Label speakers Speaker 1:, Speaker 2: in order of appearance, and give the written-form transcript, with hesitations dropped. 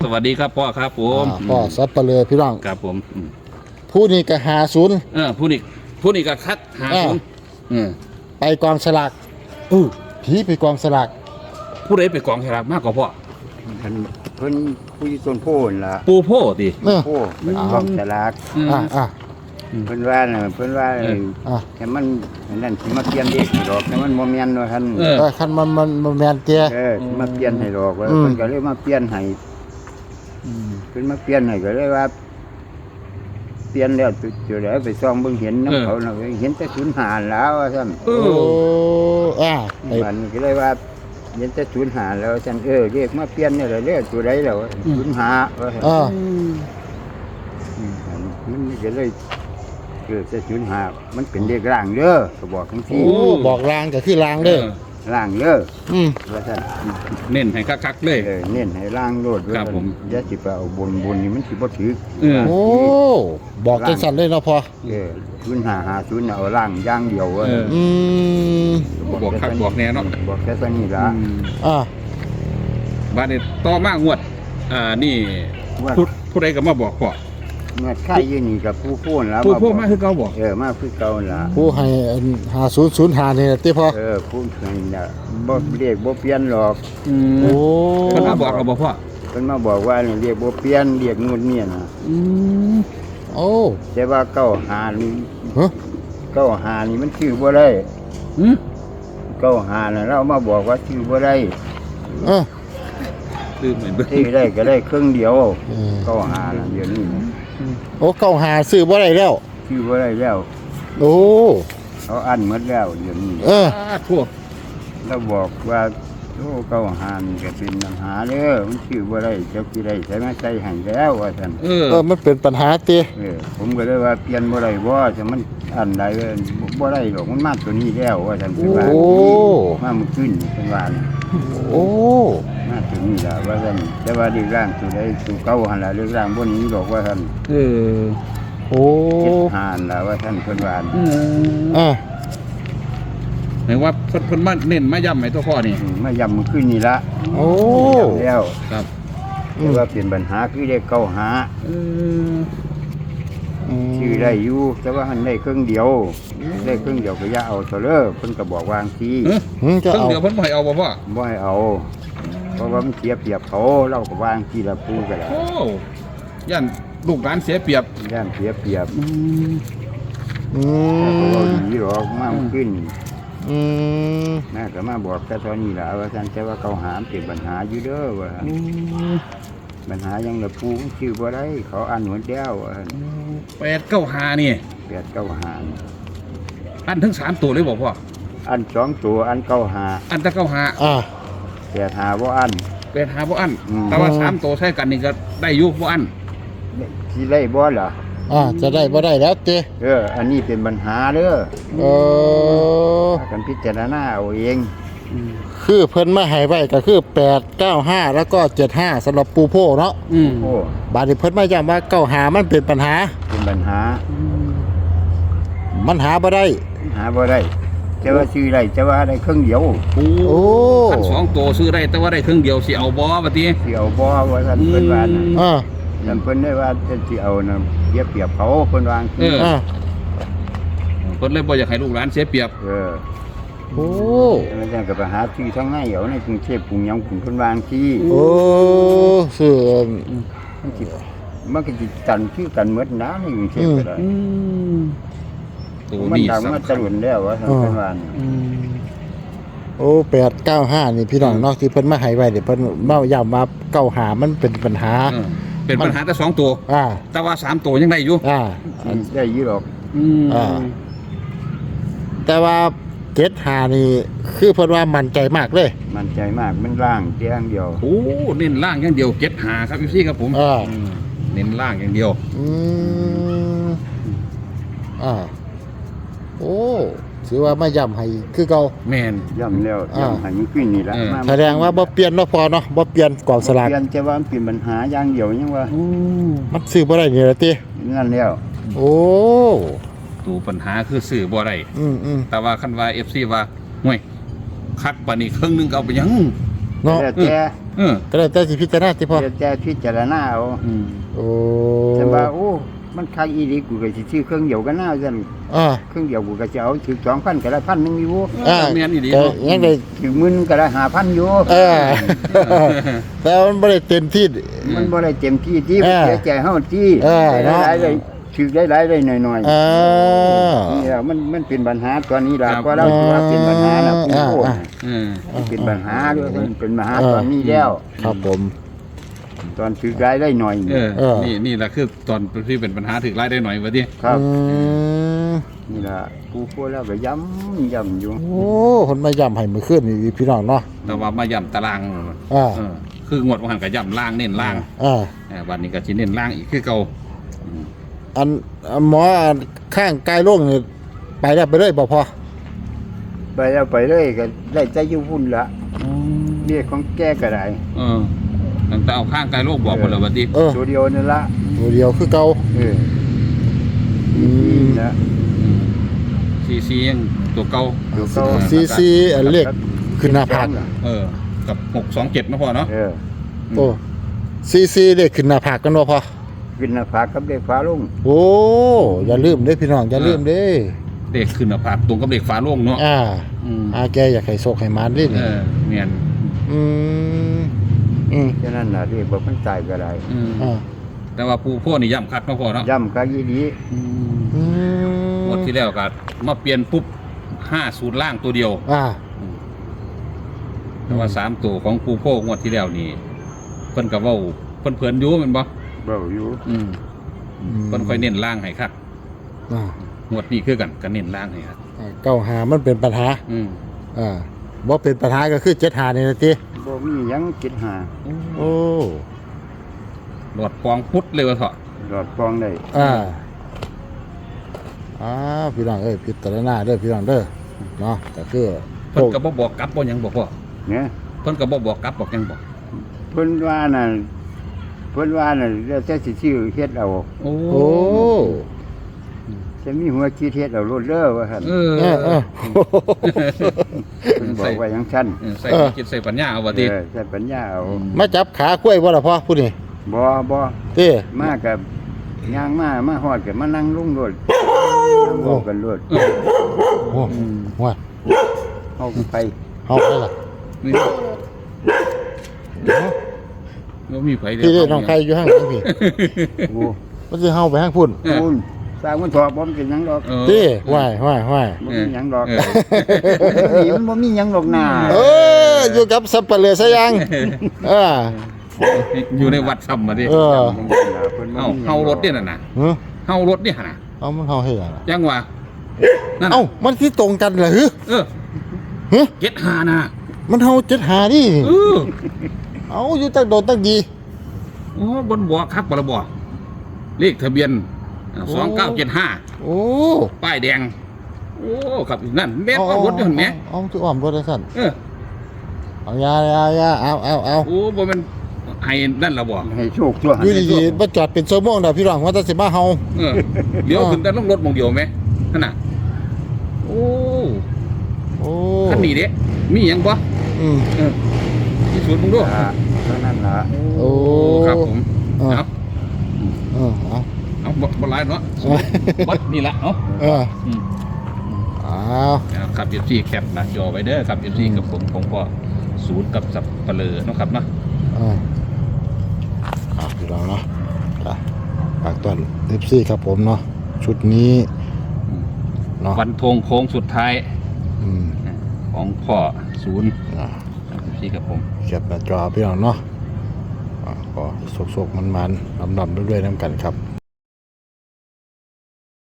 Speaker 1: สวัสดีครับพ่อครับผม
Speaker 2: พ่อสับปะเลอพี่น้อง
Speaker 1: ครับผม
Speaker 2: ผู้นี้ก็50
Speaker 1: ผู้นี้ก็คัด50
Speaker 2: ไปกองสลากผีไปกองสลาก
Speaker 1: ผู้ใดไปกองฉลากมากกว่าพ่อ
Speaker 3: เพิ่นผู้อยู่ต้นโพนล่ะ
Speaker 1: ปูโพติ
Speaker 3: โพไปกองสลากเพิ่นว่าน่ะแต่มันนั่นสิมาเปลี่ยนเด็กดอกแต่มันบ่แม่นว่าซั่น
Speaker 2: คันมันแม่นเตี้ย
Speaker 3: สิมาเปลี่ยนให้ดอกว่าเพิ่นก็เลยมาเปลี่ยนให้เพิ่นมาเปลี่ยนให้ก็เลยว่าเปลี่ยนแล้วจุดแล้วไปซ่องเบิ่งเห็นนำเขาน่ะเห็นแต่05แล้วว่าซั่นมันก็เลยว่าเห็นแต่05แล้วซั่นเรียกมาเปลี่ยนนี่แหละเด้อตัวใดแล้ว05ว่าซั่นมันก็เลยจะ05มันเป็นเลขร่างเด้อก็บอกทั้งที่
Speaker 2: บอกรางก็คือรางเด้อ
Speaker 3: ร่างเด้อว่าซั่น
Speaker 1: เน้นให้คักๆเลย
Speaker 3: เน้นให้ร่างโลด
Speaker 1: ครับผม
Speaker 3: อย่าสิไปเอาบนนี่มันสิบ่ถึก
Speaker 2: บอกจังซั่นเลยเนาะพ่อ
Speaker 3: 0550เอาร่างอย่างเดียว
Speaker 1: บอกคักบอกแน่เนาะ
Speaker 3: บอกแค่ซั่นนี่ล่ะ
Speaker 1: บัดนี้ต่อมางวดนี่ผู้ใดก็มาบอกพ่อ
Speaker 3: เมื่อค่ายอยู่นี่กับผู้พูนแล้ว
Speaker 1: ผู้มาคือเก่าบอก
Speaker 3: มาคือเก่าล่ะ
Speaker 2: ผู้ให้5005นี่ติพ่อ
Speaker 3: ผู้ให้น่ะบ่เรียกบ่เปลี่ยนหรอก
Speaker 1: เพิ่นมาบอกเราบ่พ่อ
Speaker 3: เพิ่นมาบอกว่านี่เรียกบ่เปลี่ยนเรียกนู่นนี่น่ะแต่ว่า95นี่95นี่มันชื่อบ่ได้95น่ะเรามาบอกว่าชื่อบ่ได้ที่ได้ก็ได้ครึ่งเดียว95น่ะเดี๋ยวนี้
Speaker 2: 95ซื้อบ่ได้แล้ว
Speaker 3: ชื่อบ่ได้แล้วเขาอั้นหมดแล้วเดี๋ยวนี้
Speaker 1: ทั่ว
Speaker 3: เราบอกว่า95นี่ก็เป็นปัญหาเด้อมันชื่อบ่ได้เจ้าสิได้ใช้มาใส่ให้แล้วว่าซั่น
Speaker 2: มันเป็นปัญหาติ
Speaker 3: ผมก็เลยว่าเปลี่ยนบ่ได้บ่จะมันอันใดบ่ได้หรอกมันมาตัวนี้แล้วว่าซั่นคือว่ามามื้อคืนเพิ่นว่ามาตัวนี้ล่ะว่าซั่นแต่ว่าดีร่างตัวใดตัวเก่าหั่นล่ะเรื่องร่างบ่นี้ดอกว่าซั่น75ล่ะว่าท่านเพิ่นว่า
Speaker 1: หมายว่าเพิ่นมาเน้นมาย้ำให้ตัวพ่อนี่
Speaker 3: มาย้ำมื้อคืนนี่ละแล้ว
Speaker 1: ครับ
Speaker 3: แต่ว่าเปลี่ยนปัญหาคือได้เก่าหาชื่อได้อยู่แต่ว่าหันได้ครึ่งเดียวก็อย่าเอาซะเด้อเพิ่นก็บอกวางที
Speaker 1: ครึ่งเดียวเพิ่นบ่ให้เอาบ่พ่อ
Speaker 3: บ่ให้เอาเพราะว่ามันเสียเปรียบเขาเราก็วางทีละปูก็ได้
Speaker 1: ย่านลูกหลานเสียเปรียบ
Speaker 3: เพราะว่าดีหรอกมาขึ้นแม่ก็มาบอกแต่ตอนนี้ล่ะว่าซั่นแต่ว่าเขาหามเป็นปัญหาอยู่เด้อว่าปัญหายังละปูชื่อบ่ได้เขาอ่านหมดแล้ว
Speaker 1: 895นี่
Speaker 3: 895
Speaker 1: อันทั้ง3ตัวเลยบ่พ่อ
Speaker 3: อัน2ตัวอัน95
Speaker 1: อันตะ95
Speaker 3: 85บ่อัน
Speaker 1: 85บ่อันแต่ว่า3ตัวใช้กันนี่ก็ได้อยู่บ่อัน
Speaker 3: สิได้บ่ล่ะ
Speaker 2: จะได้บ่ได้แล้วติ
Speaker 3: อันนี้เป็นปัญหาเด้อกันพิจารณาเอาเอง
Speaker 2: คือเพิ่นมาให้ไว้ก็คือ895แล้วก็75สำหรับปูโพเนาะบาดนี้เพิ่นมาย้ำว่า95มันเป็นปัญหามันหาบ่ได้
Speaker 3: จะว่าซื้อได้จะว่าได้ครึ่งเดียว
Speaker 1: คัน2ตัวซื้อได้แต่ว่าได้ครึ่งเดียวสิเอาบ่บัดนี้
Speaker 3: สิเอาบ่ว่าซั่นเพิ่นว่านั่นเพิ่นได้ว่าจะสิเอาน่ะเปรียบเขาเพิ่นวาง
Speaker 1: เพิ่นเลยบ่อยากให้ลูกหลานเสียเปรียบ
Speaker 3: มันจังก็ไปหาที่ทั้งในเอาในกรุงเทพกรุงหยังเพิ่นวางที่
Speaker 2: คือ
Speaker 3: มันก็สิตันคือกันหมดนะในกรุงเทพก็ได้มันดังมาตะลุนแล้วว่าเพิ่นว่า
Speaker 2: 895นี่พี่น้องเนาะที่เพิ่นมาให้ไว้นี่เพิ่นมาย้ำว่า95มันเป็นปัญหา
Speaker 1: แต่2ตัวแต่ว่า3ตัวยังได้อยู่
Speaker 3: ได้อยู่หรอก
Speaker 2: แต่ว่า75นี่คือเพิ่นว่ามั่นใจมากเลย
Speaker 3: มั่นใจมากมันล่างอย่างเดียว
Speaker 1: เน้นล่างอย่างเดียว75ครับพี่ครับผมเน้นล่างอย่างเดียว
Speaker 2: ถือว่ามาย้ำให้คือเก่า
Speaker 1: แม่น
Speaker 3: ย้ำแล้วย้ำให้มันขึ้นนี่ละ
Speaker 2: แสดงว่าบ่เปลี่ยนเนาะพอเนาะบ่เปลี่ยนกองสลาก
Speaker 3: เปลี่ยนจะว่ามันเป็นปัญหาอย่างเดียวยังว่า
Speaker 2: มันซื้อบ่ได้นี่ล่ะติ
Speaker 3: นั่นแล้ว
Speaker 1: ตัวปัญหาคือซื้อบ่ได้แต่ว่าคันว่า FC ว่าห่วยคักปานนี้ครึ่งนึงก็เอาไปยัง
Speaker 2: เนาะ
Speaker 3: แล้วแต่
Speaker 2: ก็เลยแต่สิพิจารณาติพ่อ
Speaker 3: แล้วแต่พิจารณาเอา
Speaker 2: โอ้
Speaker 3: แต่ว่าโอ้มันคักอีหลีกูก็สิซื้อเครื่องเดียวกันน่าซั่น
Speaker 2: อ่า
Speaker 3: เครื่องเดียวกูก็จะเอาถึง 2,000ก็ได้1,000นึงอยู่
Speaker 1: แม่นอีหลี
Speaker 2: ก็
Speaker 1: เนาะ
Speaker 2: ยังได้
Speaker 3: ถึง10,000ก็ได้5,000อยู่
Speaker 2: แต่มันบ่ได้เต็มที่
Speaker 3: มันบ่ได้เต็มที่ที่
Speaker 2: เออ
Speaker 3: เสียใจเฮาที่
Speaker 2: เนาะ
Speaker 3: หลายๆเลยถือได้หลายได้หน่อยๆ
Speaker 2: อ่า
Speaker 3: นี่แหละมันเป็นปัญหาตอนนี้ล่ะก็เราถือว่าเป็นปัญหาน่ะผู้โคตร มันเป็นปัญหาด้วยมันเป็นปัญหาตอนนี้แล้ว
Speaker 2: ครับผม
Speaker 3: ตอนถือรายได้หน่อย
Speaker 1: นี่แหละคือตอนที่เป็นปัญหาถึงรายได้หน่อยว่าดิ
Speaker 3: ครับ
Speaker 2: ม
Speaker 3: นี่ล่ะผู้โคตรแล้วก็ย้ำอยู่
Speaker 2: โอ้คนมาย่ำให้มือขึ้นนี่พี่น้องเนาะ
Speaker 1: แต่ว่ามาย่ำตาราง คืองวดวันหันกับย่ำล่างเน้นล่าง วันนี้ก็ชิ้นเน้นล่างอีกคือเก่า
Speaker 2: อันหมออันข้างกายโล่งนี่ไปแล้วไปเลยบ่พอ
Speaker 3: ไปแล้วไปเลยก็ได้ใจอยู่พุ่นละเรียกของแก้ก็ได้
Speaker 1: ตั้งแต่เอาข้างกายโลกบอกคนละวันดิ
Speaker 3: ตัวเดียวนั่นละ
Speaker 2: ตัวเดียวคือเก่า
Speaker 3: นะ
Speaker 1: ซียังตัวเก่า
Speaker 3: ตัวเก่า
Speaker 2: ซีอันเลขขึ้นหน้าผาก
Speaker 1: กับ627นะพ่อเนาะ
Speaker 2: โอ้ซีเลขขึ้นหน้าผากกันบ่พอ
Speaker 3: ขึ้นหน้าผากกับเด็กฟ้าลง
Speaker 2: โอ้อย่าลืมเด้พี่น้องอย่าลืมเด้
Speaker 1: เด็กขึ้นภาพตรงกับเด็กฟ้าโล่งเนาะ
Speaker 2: แกอยากให้โชคให้มานดิ
Speaker 1: เมียน
Speaker 3: ฉะนั้นน่ะเรียกว่ามันตายก็ได้
Speaker 1: แต่ว่าปูพ่อนี่ย่ำคักมาพ่อเนาะ
Speaker 3: ย้ำก็ยีดี
Speaker 1: หมดที่แล้วก็มาเปลี่ยนปุ๊บ50ล่างตัวเดียวแต่ว่า3ตัวของปูพ่องวดที่แล้วนี่เพิ่นก็เว้าเพิ่นเพิ่นอยู่แม่นบ่
Speaker 3: เบาอยู่
Speaker 1: เพิ่นค่อยเน้นล่างให้คักงวดนี้คือกันก็เน้นล่างให้ครับ
Speaker 2: เก้าหามันเป็นปัญหาบ่เป็นปัญหาก็คือ7หานี่นะติ
Speaker 3: บ่มีหยังคิดหา
Speaker 2: โอ้
Speaker 1: หลอดปองพุดเลยว่าเถาะ
Speaker 3: หลอดฟองได้
Speaker 2: พี่น้องพิจารณาเด้อพี่น้องเด้อเนาะก็คือ
Speaker 1: เพิ่นก็บ่บอกกลับบ่หยังบ่พ่อ
Speaker 3: เนี่ย
Speaker 1: เพิ่นก็บ่บอกกลับบอกหยังบอก
Speaker 3: เพิ่นว่าน่ะแล้วแต่สิชื่อเฮ็ดเอา
Speaker 1: โอ้
Speaker 3: จะมีหัวคิดเฮ็ดเอาโลดเด้อว่าซั่นเพิ่นบอกว่าอย่างซั่น
Speaker 1: ใส่คิดใส่ปัญญาเอาว่าติ
Speaker 3: ใช้ปัญญาเอา
Speaker 2: มาจับขากล้วยบ่ล่ะพ่อผู้นี้
Speaker 3: บ่
Speaker 2: ติ
Speaker 3: มากับย่างมาฮอดก็มานั่งลุงโลดนั่งเว้ากันโลด
Speaker 2: โอ้ว่า
Speaker 3: เฮาไป
Speaker 2: เฮาไปล่ะ
Speaker 1: นี่บ่มีไผเลย
Speaker 2: พี่น้องใครอยู่ข้างหลังพี่
Speaker 3: โอ้
Speaker 2: มันสิเฮาไปข้างพุ่น
Speaker 3: คุณสร้างมันถอดบ่มีหยังดอก
Speaker 2: ติว่าย
Speaker 3: บ่มีหยังดอกนี่มันบ่มีหยังดอกหน้า
Speaker 2: อยู่กับสับปะเลอซะยัง
Speaker 1: อยู่ในวัดซ้ำมาดิเฮารถเนี่ยน่ะเฮารถเนี่ยน่ะ
Speaker 2: เอามันเฮาให้หยัง
Speaker 1: จังว่านั่น
Speaker 2: เอ้ามันที่ตรงกันเหรอ
Speaker 1: เก็ตหาน่ะ
Speaker 2: มันเฮา7หาดิเอาอยู่ตั้งโดนตั้งดี
Speaker 1: โอ้บนบ่คักบ่ละบ่เลขทะเบียน2975
Speaker 2: โอ้
Speaker 1: ป้ายแดงโอ้ครับนั่นแม่นรถอยู่หั่นแหม
Speaker 2: เอาคืออ้อมรถได้ซั่น เอายาเอา
Speaker 1: โอ้บ่แม่นให้นั่นล่ะบ่
Speaker 3: ให้โชคตัว
Speaker 2: อยู่ดีๆมาจอดเป็นชั่วโมงเด้อพี่น้องว่าจะสิมาเฮา
Speaker 1: เดี๋ยวขึ้นแต่ลงรถมองเดียวไหมนั่นน่ะโอ้คันนี้เด้มีหยังบ่ที่สวนมึงดู
Speaker 3: เท่านั้นล่ะ
Speaker 2: โอ้
Speaker 1: ครับผม
Speaker 2: เอา
Speaker 1: เอาบ่หลายเนาะบัดนี่ล่ะเนาะครับ FC แคปหน้าจอไว้เด้อครับ FC กับผมก็ศูนย์กับสับปะเลอเนาะครับเนาะ
Speaker 2: พี่น้องเนาะฝากต้อน FC ครับผมเนาะชุดนี้เนาะ
Speaker 1: วันธงโค้งสุดท้ายของพ่อศูนย์FC กับผม
Speaker 2: แคปหน้าจอพี่น้องเนาะก็สกๆมันๆดำๆด้วยๆน้ำกันครับ